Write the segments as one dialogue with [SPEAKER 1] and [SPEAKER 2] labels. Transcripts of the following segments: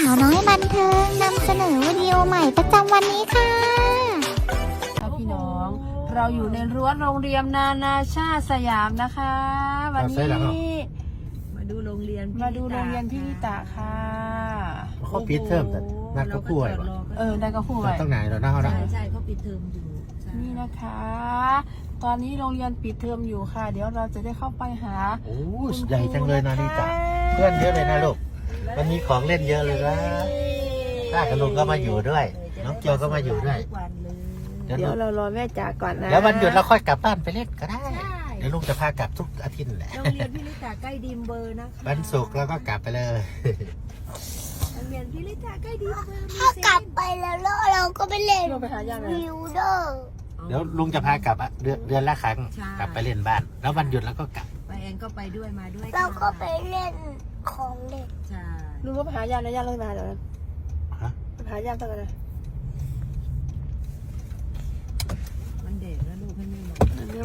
[SPEAKER 1] าวน้อยบันเทิงนำเสนอวิดีโอใหม่ประจำวันนี้ค่ะ
[SPEAKER 2] พี่น้องเราอยู่ในรั้วโรงเรียนนานาชาติสยามนะคะ วันนี้
[SPEAKER 3] มาดูโรงเรียน
[SPEAKER 2] พี่ลิตาค่ะ
[SPEAKER 4] เขาปิดเทอมแต่นัดก็พูดไว้
[SPEAKER 2] ได้ก็พูดไว้
[SPEAKER 4] ต้องไหนเราหน้าเขาได้
[SPEAKER 3] ใช่เขาปิดเทอมอยู่
[SPEAKER 2] นี่นะคะ ตอนนี้โรงเรียนปิดเทอมอยู่ค่ะเดี๋ยวเราจะได้เข้าไปหา
[SPEAKER 4] โอ้ใหญ่จังเลยนาฬิตาเพื่อนเยอะเลยนะลูกวันนี้ของเล่นเยอะเลยนะป้ากับลุงก็มาอยู่ด้วยน้องเกียวก็มาอยู่ด้วย
[SPEAKER 2] เดี๋ยวเรารอแม่จ๋าก่อนนะ
[SPEAKER 4] แล้ววันหยุดเราค่อยกลับบ้านไปเล่นก็ได้เดี๋ยวลุงจะพากลับทุกอาทิตย์แหละ
[SPEAKER 3] โรงเรียนพี่ลิตาใกล้ดิมเบอร์นะคะ
[SPEAKER 4] วันศุกร์เราก็กลับไปเลย
[SPEAKER 3] โรงเรียนพี่ลิตาใกล้ดิมเบอร์
[SPEAKER 1] ถ้ากลับไปแล้วเราก็ไปเล่นวิวเดอร์
[SPEAKER 4] เดี๋ยวลุงจะพากลับเดือนละครั้งกลับไปเล่นบ้านแล้ววันหยุดเราก็กลับ
[SPEAKER 3] ไปแอนก็ไปด้วยมาด้วย
[SPEAKER 1] เราก็ไปเล่นของเล่น
[SPEAKER 3] ใช่
[SPEAKER 2] ลุงก็ไปหายาแล้วยาเลยมาเดี๋ยวนะไปหายาตั้งแต่
[SPEAKER 3] มันเด็กแล้วลูกให้แม่ลง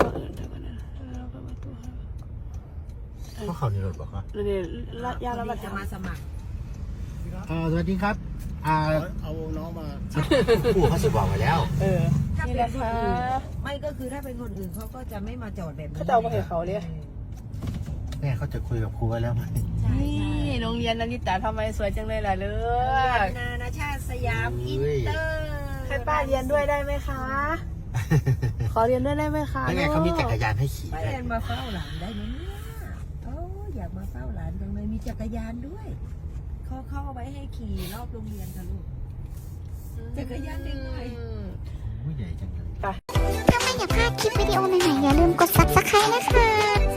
[SPEAKER 4] พวกเขานี่รถบอกว่า
[SPEAKER 2] เดี๋ยวๆยาแล้วมัน
[SPEAKER 3] จะมาสมัคร
[SPEAKER 4] สวัสดีครับ
[SPEAKER 5] เอาน้องมา
[SPEAKER 4] ผู้เขาสิบอกไว้แล้ว
[SPEAKER 3] ถ้าเป็นคนอื่นไม่ก็คือถ้าเป็นคนอื่นเขาก็จะไม่มาจอดแบบนี้
[SPEAKER 2] เขาจะเอาไปให้เขาเลย
[SPEAKER 4] แม่เขาจะคุยกับครูไว้แล้วไหม
[SPEAKER 2] นี่โรงเรียนนาริตาทำไมสวยจังเลยล่ะเลือก
[SPEAKER 3] นานาชาติสยามอินเตอร์
[SPEAKER 2] ให้ป้าเรียนด้วยได้ไหมคะขอเรียนด้วยได้ไหมคะ
[SPEAKER 4] แล้วไงเขามีจักรยานให้ขี่
[SPEAKER 3] ป้าแอนมาเฝ้าหลานได้ไหมเนี่ยอยากมาเฝ้าหลานจังเลยมีจักรยานด้วยเขาเข้าไว้ให้ขี่รอบโรงเรียนค่ะลูกจักรยานเด็กหน่อย
[SPEAKER 4] ใหญ่จังเลย
[SPEAKER 1] ถ้าไม่อยากพลาดคลิปวิดีโอใหม่ๆอย่าลืมกด Subscribe นะคะ